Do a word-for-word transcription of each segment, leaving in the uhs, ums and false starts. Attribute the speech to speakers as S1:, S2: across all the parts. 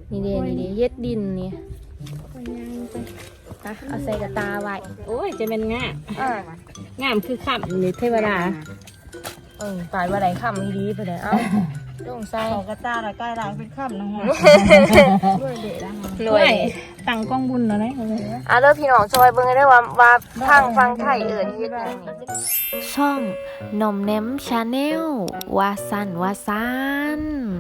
S1: นี่เด้นี่เด้เย็ดดินนี่อ่ะเอาใส่กระตาไว้
S2: โอ้ยจะเป็นง่า
S1: อ่า
S2: งามคือขับนี่เทวดา
S1: เออตายว่าไรค่ำดีไปเลยเอ้าลงใส่
S2: เขากระตาละใกล้ล้างเป็นขับนะฮะด้วยเด็ดนะ
S1: หน่วย
S2: ตังกล้องบุญแล้วนะ
S1: อ่ะเลิกพี่น้องซอยเบิ่งได้ว่าว่าทางฟังไทยเอิญเฮ็ดหยังนี่ช่องนมเน้มชาแนลวาสันวาซัน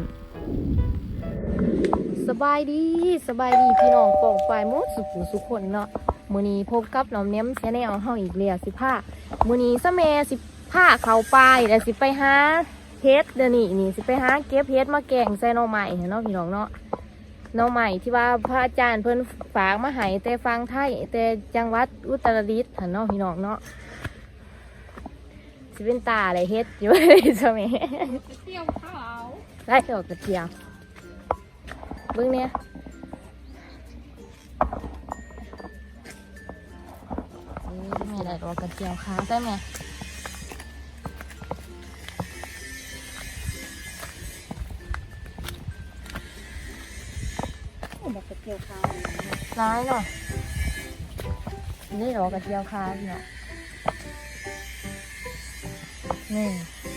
S1: สบายดีสบายดีพี่น้องปองปลายหมดสุขุสุขคนเนาะมื้อนี้พบกับนมเน้มชาแนลเฮาอีกแล้วสิพามื้อนี้ซะแม่สิพาเข้าป่าแล้วสิไปหาเฮ็ดเดี๋ยวนี้นี่สิไปหาเก็บเฮ็ดมาแกงใส่หน่อไม้เนาะพี่น้องเนาะหน่อไม้ที่ว่าพระอาจารย์เพิ่นฝากมาให้แต่ฟังไทยแต่จังหวัดอุตรดิตถ์หั่นเนาะพี่น้องเนาะสิเป็นตาอะไรเฮ็ดอยู่ใช่ไหมเกี่ยวข้าวไล่ออกกระเจียวเบิ่งเนี่ยนี่แม่ได้ออกกระเจียวค้างได้ไหม
S2: กระเทียมข้าว
S1: ร้ายเนาะนี่ดอกกระเจียวค้างเนาะนี่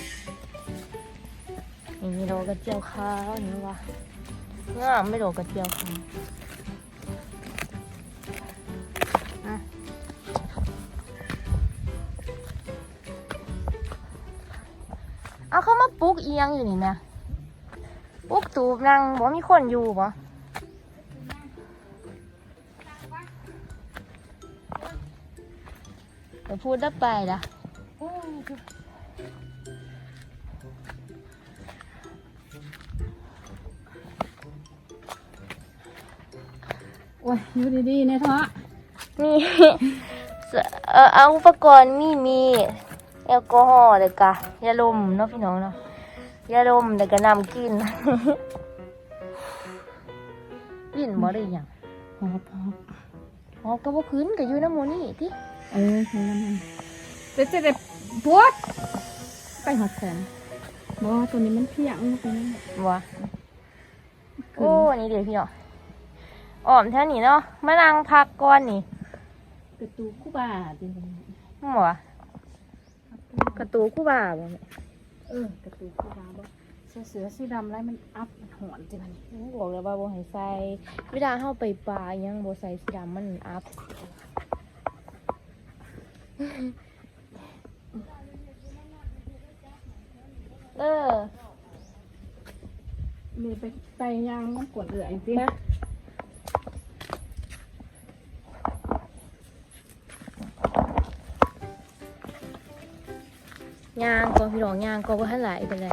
S1: นี่มีดอกกระเจียวค้างนี่วะงามไม่ดอกกระเจียวค้างอ่ะเอาเข้ามาปลุกเอียงอยู่นี่นะปลุกตูบนั่งบ่มีคนอยู่บ่เดี๋ยวพูดได้ไปละ
S2: โอ้ยอยู่ดีๆเนี่ยท้อ
S1: มีเออเอาอุปกรณ์มีมีแอลกอฮอล์เด็กกะยาลมเนาะพี่น้องเนาะยาลมเด็กกะนำกินกินบ่ได้ยัง
S2: หอบหอบ
S1: หอบก็บ่คืนก็อยู่น้ำหมูนี่ติ
S2: เออคือน้ำมันเดี๋ยวจะได้ปวดไปหอดแสนบ่ตัวนี้มันเพียงไปนั่นแหละ
S1: บ่โอ้นี่เดี๋ยวพี่น้องอ้อมแท่นี้เนาะมานั่งพักก่อนนี่
S2: กระตูคู่บาจริง
S1: บ่กระตูคู่บ่าบ่แม่
S2: เออกระตูคู่บาบ่เสื้อเสือสีดำไรมันอัพมันหอนจริงอันนี้
S1: บอกแล้วว่าบ่ให้ใส่เวลาเฮาไปป่ายังบ่ใส่สีดำมันอัพเออ
S2: มีไปไปยางมันกวดเหลือจริงนะ
S1: ย่างก็พี่น้องย่างก็บ่ทันหลายเป็นไร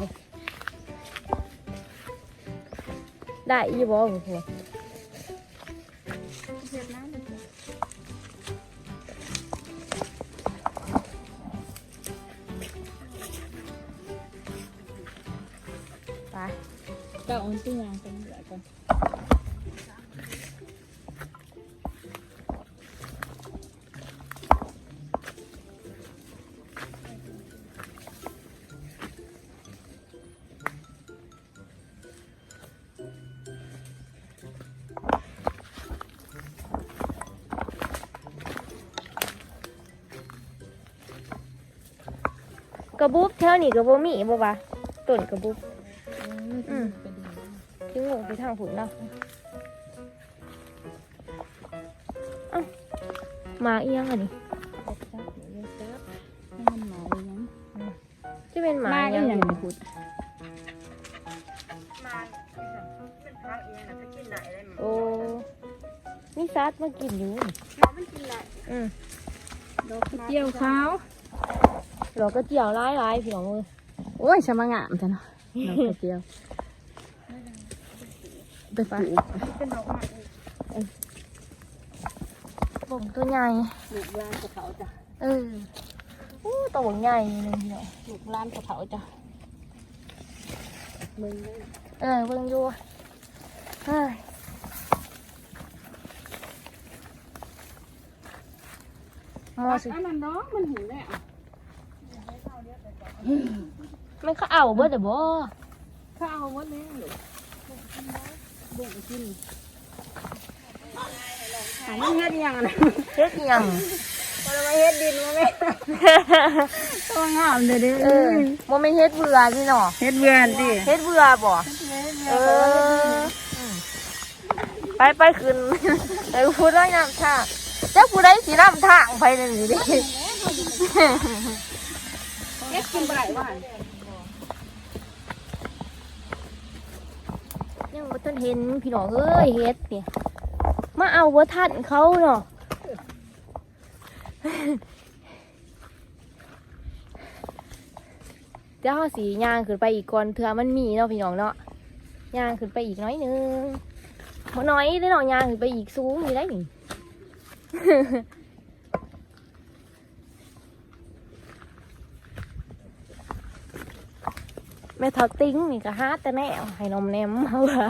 S1: ได้อีบ่พ่อพ่อไป
S2: ก็เอาตู้ยางไปเหลือก่อน
S1: กระบุบแถวนี้ก็บ่มีบ่วะต้นกระบุบอืมทิ้งลงไปทางผุนเนาะเอ้ามาเอียงอ่ะนี่
S2: มันหมายยัง
S1: จะเป็นหมา
S2: มา
S1: ยั
S2: อี
S1: ง
S2: หยังนี่พุด
S1: โอ้มีซัดมากินอยู่อืม
S2: ดอกกระเจียวขาว
S1: เราก็เจียวร้ายร้ายพี่น้องเลย
S2: โอ้ยชะมางามจ้ะเนาะดอกกระเจียวไปปลูกเป็นดอกไม้
S1: บ่งตัวใหญ่
S2: ลูกลานกระเถาจ้ะ
S1: เอออู้ตัวใหญ่เลยพี่น้อง
S2: ลูกลานกระเถาจ้ะมึงเลย
S1: เออเบิ่งอยู่เฮ้ยมอสิ
S2: อันนั้นน้องมันหิวแน่อ่ะ
S1: ไม่เขาเอาเบิดเดี๋ยวบ่
S2: ข้าวมดแน่เลยบุกกินหายเฮ็ดยังนะ
S1: เฮ็ดหยัง
S2: พอเราเฮ็ดดินมาแม่ตัวงามเลยดิ
S1: เออบ่แม่นเฮ็ดเบื่อพี่น้อง
S2: เฮ็ดเบื่อดิ
S1: เฮ็ดเบื่อบ่เออไปไปขึ้นไอ้พูดว่าน้ำทางจักผู้ใดสินำทางไปนั่นนี่ดิ
S2: เฮ็ดกินบ่ได้ว่า
S1: ยังบ่ทันเห็นพี่น้องเอ้ยเฮ็ดนี่มาเอาบ่ทันเขาเนาะเดี๋ยวเราสิย่างขึ้นไปอีกก่อนเถื่อมันมีเนาะพี่น้องเนาะย่างขึ้นไปอีกน้อยหนึงบ่น้อยเด้อเนาะย่างขึ้นไปอีกสูงอยู่ได้นี่ แม่เท่าติ้งนี่ก็หาแต่แน่ให้นมแนมเอาละ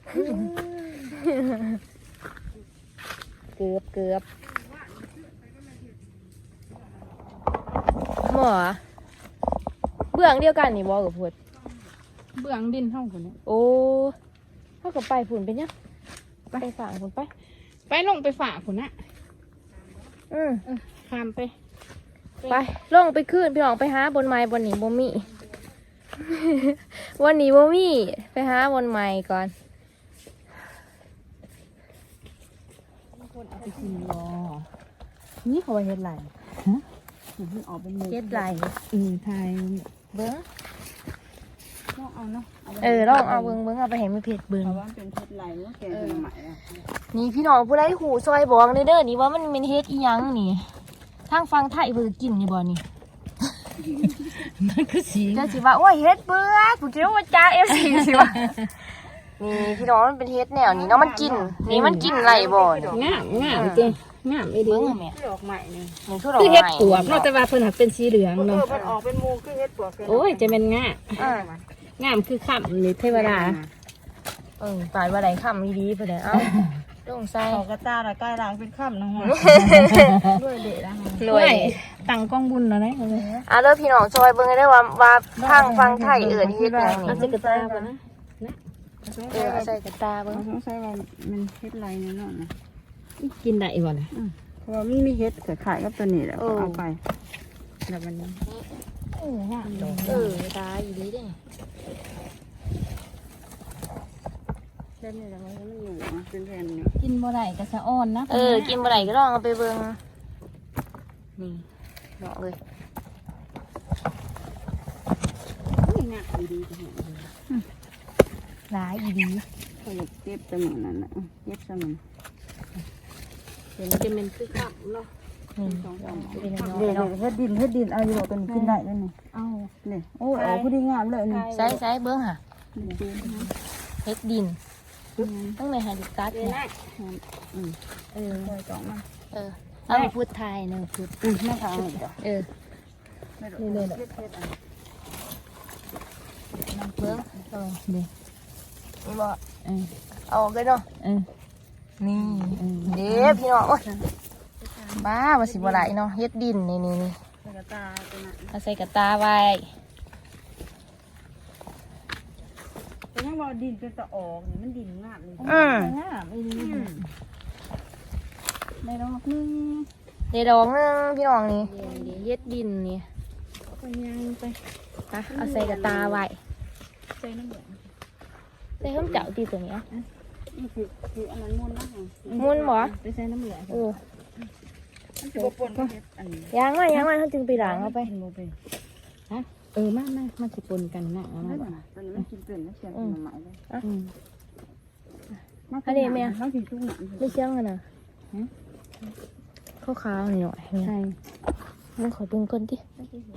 S1: เกือบเกือบหมอเบื้องเดียวกันนี่บอกกับพูด
S2: เบื้องดินเฮาคนนี้
S1: โอ้เท่ากับไปฝุ่นเป็นยังไปฝั่งฝุ่นไป
S2: ไปลงไปฝากคนน่ะ
S1: อืม
S2: ข้ามไป
S1: ไปลงไปขึ้นพี่น้องไปหาบนไม้บนนี้บ่มี วันนี้บ่มีไปหาบนไม้ก่อน
S2: คนเอาไปกินรอนี่เขาเฮ็ดไรฮะมันออกเป็น
S1: เฮ็ดไร
S2: อือไทย
S1: เบิ้ง
S2: ลองเอาเนาะ
S1: เออลองเอาเบิ้งเบิ้งเอาไปให้มือเพจเบิ้ง
S2: เพราะว่าเป็นเฮ็ดไรว่าแกเป็นใหม่อ่ะ
S1: นี่พี่น้องผู้ใดหูซอยบอกเด้อเด้อนี่ว่ามันเป็นเฮ็ดอีหยังนี่ทางฟังไทยเบิ่งกินนี่บ่นี่
S2: มันคือสี
S1: จะสิว่าโอ้ยเฮ็ดเบื่อกูคิดว่าจ้า เอฟ ซี สิว่านี่พี่น้องมันเป็นเฮ็ดแนวนี้เนาะมันกินนี่มันกินไรบ่นี่
S2: งามงามจริงงามไอ้ดิ
S1: เบิ่งแม่
S2: ดอกใหม่นี่
S1: มันคือดอก
S2: คือ
S1: ไม้
S2: เฮ็ดปวกเนาะแต่ว่าเพิ่นหักเป็นสีเหลือง
S3: เอ
S2: เนาะ
S3: อมันออกเป็นมูคือเฮ็ดปวก
S2: โอ้ยจะเป็นงาม
S1: อ่าง
S2: ามคือค่ำนี่เทวดา
S1: เออตายว่าได้คำดีๆเพิ่นเอ้าลงใส่
S3: ออกกระตาละใกล้ล้างเป็นค่ำนะฮะด้วยเด็ดนะฮะ
S1: รวย
S2: ตั้งกล้องบุญแล้วนะ
S1: อ่ะเด้อพี่น้องซอยเบิ่งได้ว่าว่าทางฟังไทยเอิ้นเฮ็ดหยัง
S2: เอา
S1: นี่
S2: สิกระตาบ่นะ
S1: เออเอาใส่กระตาเบิ่ง
S3: สงสัยว่ามันเฮ็ดไรเนี่ยเนาะนะ
S2: กินได้บ่ล่ะ
S3: เพราะว่ามันมีเฮ็ดขายกับตัวนี้แหละเอาไปแล้วมันนี้
S2: เอองามดอก
S1: เออตาอีดีเด้นี่
S3: เช่นนี้แล้วมันก็อยู่เป็นแผ่นนี่
S2: กินบ่ได้ก็สะอ่อนนะ
S1: เออกินบ่ได้ก็ลองเอาไปเบิ่งนี่เนาะเลย
S3: งามดีๆจังเลย
S1: หลายอีดี
S3: เขาอยากเก็บตัวนั้นน่ะเก็บซะมัน
S2: เห็นจะเป็นคือค่ำเนาะ
S1: นี่
S3: สองสาม
S1: เป็นน้อย
S3: เดี๋ยว
S1: ๆเนาะ
S3: เฮ็ดดินเฮ็ดดินเอาอยู่บ่กันกินได้แล้วนี่
S2: เอา
S3: นี่โอ้ออกพอดีงามเลยนี่
S1: ใส่ใส่เบิ้งค่ะเฮ็ดดินต้องในไฮดิกัสเนี่ย
S3: อืม
S1: เออ
S3: ซอยสองมัน
S1: เออเอาพูดไทยเนอะพูด
S3: อืมแม่ทางนี่จ้ะ
S1: เออ
S3: นี่เลยเฮ็ดเฮ็ดอัน
S1: เบิ้งเออ
S2: เด้
S1: นี่บ่
S2: เออ
S1: เอาออกเลยเนาะ
S2: เออ
S1: นี่เด้อพี่น้องโอ้ยบ้าว่าสิบ่ไหลเนาะเฮ็ดดินนี่นี่นี่
S3: กระตาตัวนั้น
S1: เอาใส่กระตาไว้
S3: แต่ยังว่าดินเป็นตะออกนี่มันดินงามเลย
S1: อืม
S3: งามอีนี่ในดอกนึง
S1: เดี๋ยวดอกหนึงพี่น้องนี่เฮ็ดดินนี่
S3: ไปยังไป
S1: อ่ะเอาใส่กระตาไว้
S3: ใส่น้ำเหลือง
S1: ใส่ข้าวเจ้าตีตัวนี้
S3: นี่คือคืออันนั้นมุนนะ
S1: มุนบ่
S3: ไปใส่น้ำเหลือง
S1: เออ
S3: มันจะปนกับเฮ็ดอันนี้
S1: ยางไว้ยางไว้เขาจึงไปล้างเอาไป
S3: โมเป็น
S2: ฮะเออมามามาสิปนกันนะเอา
S3: ไม่
S2: มา
S3: หรอกตอนนี้มันกินเป็นแล้วเชียงเป็นหน่อไม้เลย
S2: อืม
S1: อันนี้แม่
S3: เขากินทุกหนัง
S1: ไม่เชื่องกันนะขาวๆหน่อยๆ
S2: ใช่
S1: มันขอเบิ่งก่อนดิ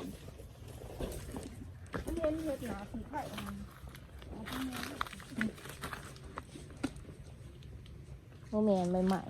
S1: โมแมนใหม่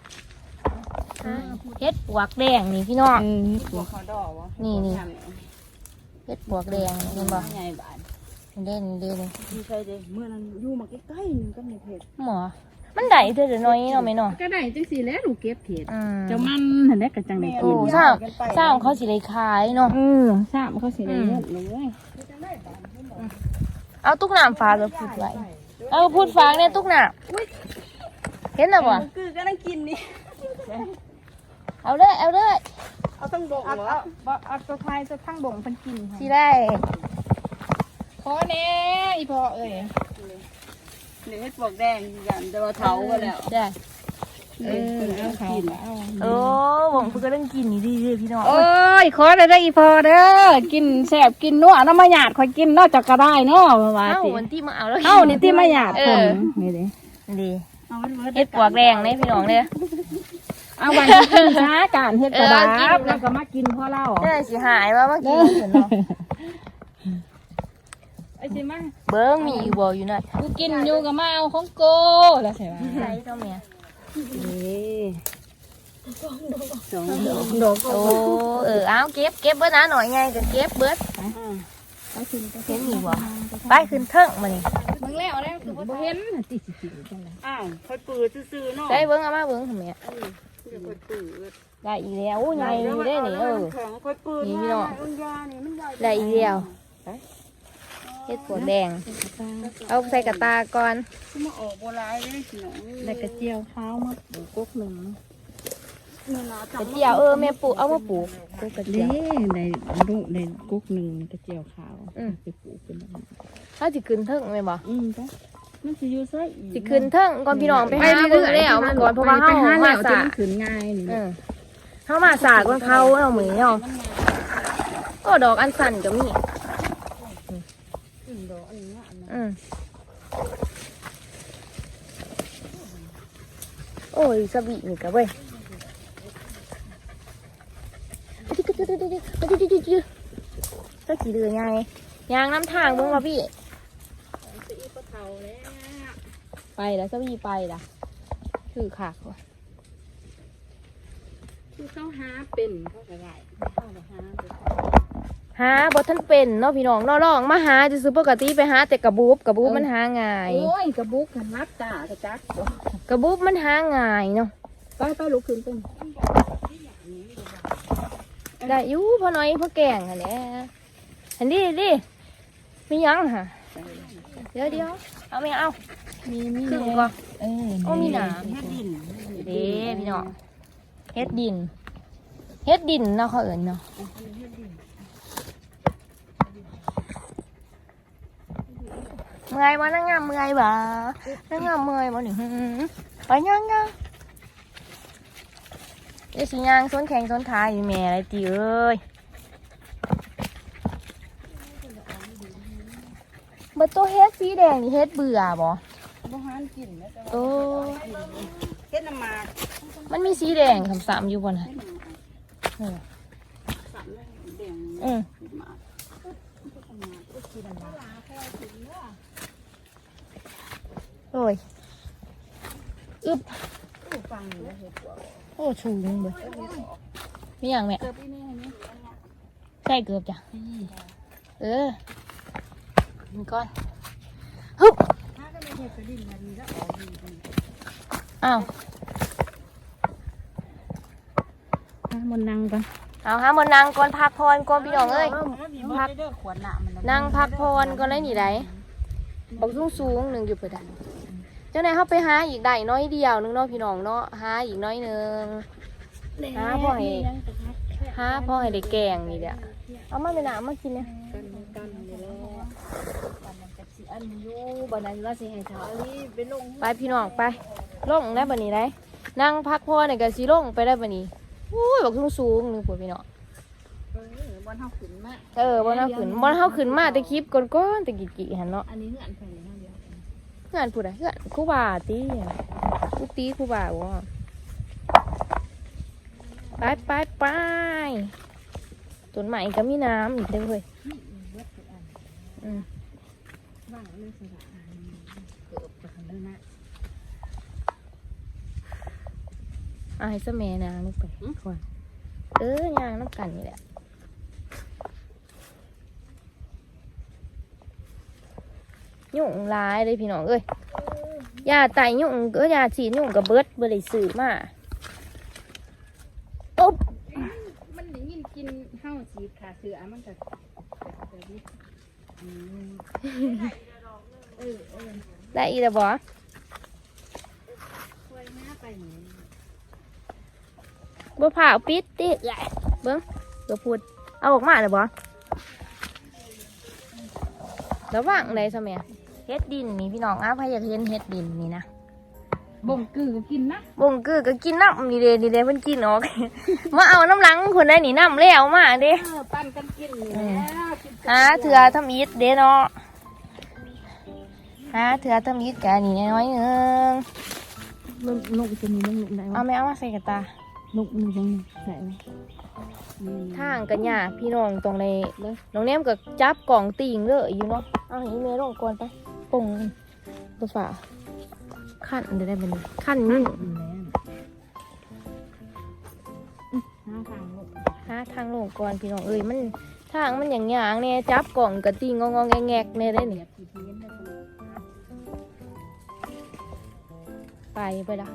S1: ๆเฮ็ดปวกแดงนี่พี่น้อง
S2: เออ
S3: ตัวเขาดอกวะ
S1: นี่นี่ เฮ็ดปวกแดงนี่เห็นบ่
S3: ใหญ่บาน
S1: เด่นเด่น
S3: ดีใจเลยเมื่อนั้นอยู่มาใกล้ๆนึงก็ในเพจ
S1: หมอมันได้เท่าเดี๋ยวน้อยเนาะแม่เนาะ
S2: ก็ได้จังซี่แล้วหนูเก็บเห็ด
S1: อืม
S2: เจ้ามันหั่นแหละก็จังได้
S1: โอ้
S2: กิน
S1: สร้างสร้างเขาสิได้ขายเนาะ
S2: เออทราบเขาสิได้เงินเลย
S1: เอาตุ๊กน้ำฟ้าแล้วพูดไว้
S3: ดู
S1: เอาพูดฟังเนี่ยตุ๊กหนาเห็นหรอวะ
S3: คือก็นั่งกินนี่
S1: เอาเลยเอาเลย
S3: เอาต้องบ่ง
S2: เอา
S3: เหรอ
S2: เอาเอาตัวไทยตัวข้างบ่งเพิ่นกิน
S1: สิได้
S2: พอแน่อีพอเอ้ย
S3: เดี๋ยวเฮ็ดปวกแดงกันแต่ว่าเถาก็แล้ว
S1: ได้
S2: เออเอาเขาเอา
S1: โอ้ผมเพิ่งก็เรื่องกินนี่ดีเลยพี่น้อง
S2: โอ้ยขอได้ได้อีพอเด้อกินแซ่บกินนัวน้ำมาหยาดข่อยกินนอกจากก็ได้เนาะว่า
S1: เอ้า
S2: สิ
S1: วันที่มาเอาแล้ว
S2: เอ้านี่ที่มาหยาด
S1: เอ
S2: คน
S1: อ
S2: นี่เด้
S1: ดี
S3: เอาไว้ไว้
S1: เฮ็ดปวกแดงเนี่ยพี่น้องเนี่ย
S2: เอาวันที่กินช้าการเฮ็ดกระดา
S1: เออกิน
S2: บแล้วก็มากินพ่อเล่า
S1: ได้สิหายว่าเมื่อกี้เห็นเนาะ
S2: ไอ้สิมา
S1: เบิ้งมีอยู่บ่อยู่หน่อย
S2: กูกินอยู่กับมาเอาของโกแล้วใช่ไหม
S1: ใส่เท่าเมีย
S3: นี่สองดอกดอก
S1: โอ้เออเอาเก็บเก็บเบิดนะหน่อยไงก็เก็บเบิด
S2: ไปกินไป
S1: เห็นมีบ่ไปขึ้นเทิงมานี่
S2: เบิ่งแล้วแล้วคือบ่เห็นติสิสิจังได๋
S3: อ้าวค่อยปืดซื่อๆเนาะ
S1: ได้เบิ้งเอามาเบิ้งทำไม
S3: เดี๋ยวค่อยปืด
S1: ได้อีกแล้วโอ้ยใหญ่อยู่ได้นี่เออ
S3: แข็งค่อยปืด
S1: นี่พี่น้อง
S3: มันยานี่มันใหญ่
S1: ได้อีกแล้วเฮ็ดปวกแดง เอาใส่กระตาก่อน
S3: มาออกโบราณได้สิน้อง
S2: ได้กระเจียวข้าวมาปลูกกกหนึง
S3: นี่นะ
S1: กระเจียวเออแม่ปลูกเอามาปลูกปลูกกระเจี
S2: เด้
S1: ยว
S2: ได้ลูกได้กกหนึงกระเจียวข้าว
S1: อืม
S2: ไปปลูกเป็นแบบนี้
S1: ถ้าสิขึ้นเทิงแม่บ่
S2: อืมจ้ะมันสิอยู่ไสอีก
S1: สิขึ้นเทิงก่อนพี่น้องไปหาเบิ่งแล้วมันก่อนเพราะว่าเฮา
S2: ไปหา
S1: มา
S2: แล้ว
S1: สา
S2: จะมันขึ้นง่ายนี่
S1: เออเฮามาสากมันเขาเอาหมือเนาะก็ดอกอันสั่นก็มี
S2: อืมดอกอันนี้อันนั้น
S1: อืมโอ้ยสบีนี่ก็เว้ยก็ขี่เรือไงยางน้ำทางมึงวะพี่
S2: สิอีปะเฒ่าแล้ว
S1: ไปแล้วสบีไปละคือขากว่ะ
S2: คือเขาหาเป็นเขาก็ได้เขาก็หาเป็น
S1: หาบทท่านเป็นเนาะพี่น้องเนาะลองมาหาจะซื้อปกติไปหาแต่กระบูบกระบูบมันหาง่าย
S2: โอ้ยกระบุกกันนักจ้ากระจัก
S1: กระบูบมันหาง่ายเนาะ
S2: ไปไปลุกขึ้นต้น
S1: ได้อยู่พอน้อยพอแกงอันเนี้ยอันนี้ดิไม่ยังค่ะเดี๋ยวเดี๋ยวเอาไม่เอา
S2: มีมี
S1: ครึ่งก่อน
S2: เออ
S1: โอ้มีหนาม
S3: เฮ็ดดิน
S1: เด้พี่น้องเฮ็ดดินเฮ็ดดินเนาะเขาเอิญเนาะเมื่อยบ่นั่งงามเมื่อยบ่นั่งงามเมื่อยบ่นี่หือไปย่างย่างเดี๋ยวสิย่างส้นแข็งส้นขาอยู่แม่อะไรตีเอ้ยเบอร์ตัวเฮ็ดสีแดงนี่เฮ็ดเบื่อบ่
S3: บ่หานกินนะจ๊ะ
S1: โอ้
S3: เฮ็ดน้ำหมาก
S1: มันมีสีแดงคำสามอยู่บนน่ะนี่ล่ะ
S3: สั่นเลยแดง
S1: อืม
S3: หมาก
S1: โอ้ยอึบ
S3: ฟังอยู่เฮ็ดปวก
S1: โอ้ชูงเบิดมีอย่างแม่
S3: เกิดอีนี่นี่
S1: ใช่เกือบจ้ะเออมีก้อนฮึบ
S3: ถ้าก็ไม่เฮ็ดกระดิ่งมันมีแล้วออกดี
S1: อ้าว
S2: มนนั่งกัน
S1: เอาฮะมันนางก่อนพักพรก่อนพี่น้องเอ้ย
S3: พักเด้อขวดน้ำมัน
S1: นางพักพรก่อนเลยนี่ได้บอกสูงสูงๆหนึ่งอยู่เปิดได้เจ้าไหนายเขาไปหาอีกได้น้อยเดียวหนึงเนาะพี่น้องเนาะหาอีกน้อยหนึงหาพ่อให้หาพ่อให้ได้แกงนี่เด้อเอามาเป็นหนามากินเนี่ย
S2: กันกันนี่แหละกันมันจะสิอันอยู่บัดนั้นว่าสิให้เฒ่าอีไปลง
S1: ไปพี่น้องไปลงได้บันนี้ได้นั่งพักพรเนี่ยก็สิลงไปได้บันนี้อุ้ยบอกสูงสูงๆหนึ่งปวดพี่น้อง
S2: เออบนเฮาขึ้นมา
S1: เออบอลเฮาขึ้นบอลเฮาขึ้นมาแต่คลิปก่อนๆแต่กี่กี่หันเนาะ
S2: อันนี้เฮือนไผนี่เฮาเดียว
S1: เพื่อนพูดอะเพื่อนครูบาตีกูตีครูบาวะไปไปไปต้นไม้ก็มีน้ำอีกเด้อเว้ยอืม
S2: ว่างเลยสระอันเกิบกับคันนั้นนะ
S1: เอาให้สะแม่นางลงไปก่อนเออยางน้ำกันนี่แหละยุ่งหลายเลยพี่น้องเอ้ยยาไตยุ่งก็ยาฉีดยุ่งกับเบิดเบิดเลยสื่อมาอุ๊บ
S2: มันได้ยินกินเฮาสีขาเสือมันก็แบบนี้อืมเออเออ
S1: ได้อีแล้วบ่บ่ผ่าปิดติเอ้ยเบิ่งเดี๋ยวพูดเอาออกมาเลยบ่ระวังได้ซะแม่เฮ็ดดินนี่พี่น้องอ้าพายอยากเห็นเฮ็ดดินนี่นะ
S2: บ่งกือก็กินนะ
S1: บ่งกือก็กินน้ำนี่เด้นี่เด้เพิ่นกินออก มาเอาน้ำหลังคนได้นี่น้ำแล้วมาเด้
S2: เออปั้นกันกินนี่แล้วกิน
S1: หาเถื่อทำอิฐเด้เนาะหาเถื่อทำอิฐแกนี่น้อยๆนึง
S2: ลูกลูกจะมีลูกไหน
S1: เอา
S2: วะ
S1: แม่เอามาใส่กระตา
S2: ลูกหนึ่งตรงนี้ไหนวะ
S1: ทางกันยากพี่น้องตรงในน้องแนมก็จับกล่องติ่งเลยอยู่เนาะเอาให้แม่ลงก่อนไปปงตัวฝาขั้นเดี๋ยวได้เป็นขั้นนี่
S2: ห้าทางลูก
S1: หาทางลงก่อนพี่น้องเอ้ยมันทางมันอย่างยางเนี่ยจับกล่องกระติ่งงองๆแงกๆเนี่ยได้เนี่ยไปไปละ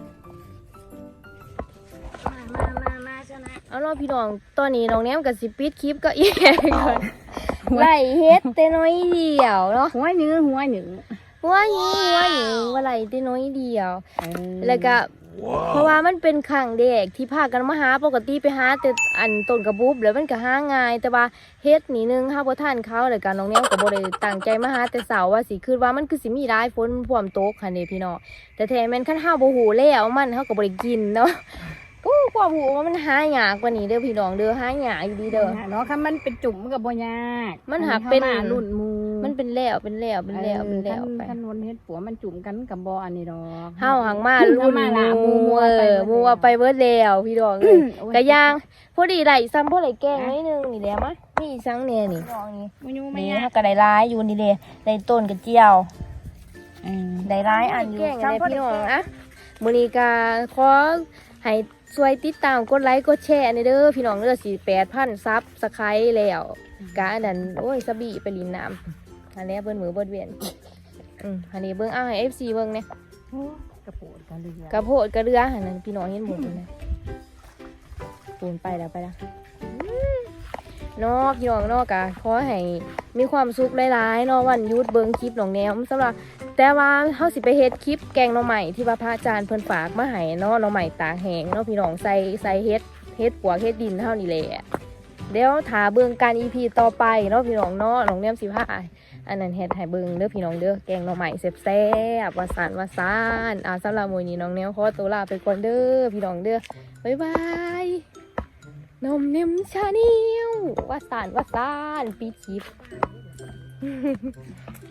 S2: มามามาชนะ
S1: เอาเนาะพี่น้องตอนนี้น้องแนมกับสิปิดคลิปก็อีกก่อนไล่เฮ็ดแต่น้อยเดียวเนาะ
S2: หัวหนึ่งหัวหนึ่ง
S1: หัวหนี้หัวหนี้ว่าไล่แต่น้อยเดียว แล้วก็เพราะว่ามันเป็นครั้งเด็กที่พากันมาหาปกติไปหาแต่อันต้นกระบุบแล้วมันก็หาง่าย แต่ว่าเฮ็ดนี่นึงเฮาบ่ทันเขาแล้วก็น้องแนวก็บ่ได้ตั้งใจมาหาแต่เสาร์ว่าสิคิดว่ามันคือสิมีหลายฝนพร้อมตกคั่นเด้พี่น้องแต่แท้แม่นคันเฮาบ่ฮู้แล้วมันเฮาก็บ่ได้กินเนาะกูความรู้ว่ามันหายากกว่านี้เด้อพี่น้องเด้อหายากอยู่ดีเด้อ
S2: เนาะค่ะมันเป็นจุ่มมันกับบ่ยาก
S1: มันหักเป็น
S2: ข้ามารุ่นหมู
S1: มันเป็นแล้วเป็นแล้วเป็นแล้วเป็นแล้ว
S2: ออ
S1: ไป
S2: คันคันวนเฮ็ดปัวมันจุ่มกันกับบ่อันนี้ดอก
S1: เฮาหังมารุ่น
S2: เฮามาละ
S1: หมู
S2: หมู่
S1: เออหมูเอาไปเบิดแล้วพี่น้องเอ้ย กะย่างพอดีไหลซ้ำพอไหลแกงนิดนึงนี่แหละมะนี่ซังเนี่ยนี่น้องนี่
S2: บ่อยู่ไม่
S1: นี่
S2: ยาก
S1: ถ้าก็ได้ร้ายอยู่นี่เลยได้ต้นกระเจียว
S2: เออ
S1: ได้ร้ายอันอยู่ซ้ำพี่น้องอะมื้อนี้ก็ขอให้ช่วยติดตามกดไลค์กดแชร์ในเด้อพี่น้องเด้อสี่แปดพันซับสไครต์แล้วกะอันนั้นโอ้ยสบีไปลินน้ำอันนี้เบิ้ลมือเบิ้ลเวียนอืมอันนี้เบิ้งเอาให้เอฟซีเบิ้งเนี่ย
S2: โอ้กระโปดกระเรือก
S1: ระโพดกระเรืออันนั้นพี่น้องเห็นหมดเลยปูนไปแล้วไปแล้วเนอพี่น้องเนอกะขอให้มีความสุขหลายๆเนอวันหยุดเบิ้งคลิปน้องแนวสำหรับแต่ว่าเฮาสิไปเฮ็ดคลิปแกงหน่อใหม่ที่ว่าพระอาจารย์เพิ่นฝากมาให้เนาะหน่อใหม่ตากแห้งเนาะพี่น้องใส่ใส่เฮ็ดเฮ็ดปวกเฮ็ดดินเฮานี่แหละเดี๋ยวถาเบิ่งการ อี พี ต่อไปเนาะพี่น้องเนาะน้องแนมสิพาอันนั้นเฮ็ดให้เบิ่งเด้อพี่น้องเด้อแกงหน่อใหม่แซ่บๆว่าซานว่าซานอ่าสำหรับมื้อนี้น้องแนวขอตัวลาไปก่อนเด้อพี่น้องเด้อบ๊ายบายนมเนมชาแนลว่าซานว่าซานปิดคลิป